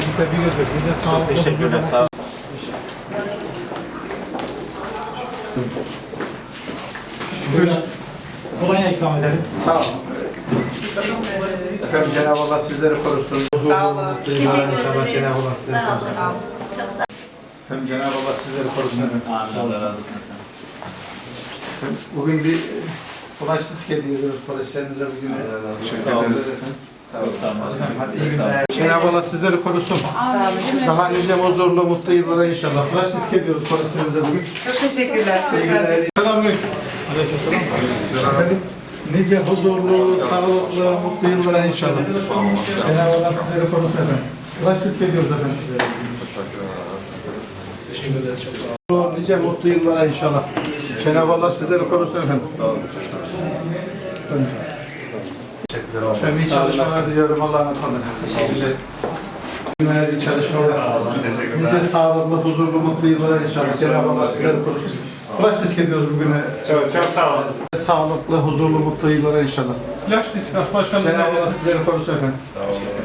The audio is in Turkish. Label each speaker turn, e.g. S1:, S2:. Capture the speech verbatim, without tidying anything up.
S1: Sizi tebrik ederim. Bir de sağ olun.
S2: Teşekkürler. Sağ olun.
S1: Buyurun. Kolonya ikram edelim.
S3: Sağ olun. Efendim Cenab-ı Allah sizleri korusun.
S4: Sağ olun.
S3: İnşallah Cenab-ı Allah sizleri
S4: Sağ
S3: korusun.
S4: olun. Çok sağ olun.
S3: Efendim Cenab-ı Allah sizleri korusun. Efendim.
S2: Amin. Allah razı olsun.
S3: Efendim, Bugün bir ulaşsız hediye ediyoruz polislerimize bugün. Teşekkür
S2: Sağ olun.
S3: ederiz efendim.
S2: Çok sağ olun.
S3: Hadi iyi günler. Cenab-ı Allah sizleri korusun. Daha nice huzurlu, mutlu yıllara inşallah. Ulaşsız ediyoruz polislerimize bugün.
S4: Çok teşekkürler.
S3: İyi günler. Selamünaleyküm.
S1: Aleykümselam.
S3: Efendim, nice huzurlu, sağlıklı, mutlu yıllara inşallah. Cenab-ı Allah sizleri korusun efendim. Ulaşsız ediyoruz efendim sizlere.
S1: Teşekkür ederiz. Çok sağ olun.
S3: Nice mutlu yıllara inşallah. Cenab-ı Allah sizleri korusun efendim. Ben iyi çalışmalar diliyorum. Allah'a emanet olun.
S2: Teşekkürler.
S3: Günler iyi çalışmalar. Nice sağlıklı, huzurlu, mutlu yıllara inşallah. Cenab-ı Allah sizleri korusun. Flash disk ediyoruz bugüne.
S2: Çok çok sağ olun.
S3: Sağlıklı, huzurlu, mutlu yıllara inşallah.
S1: Flash disk başkanımız.
S3: Cenab-ı Allah sizleri korusun efendim.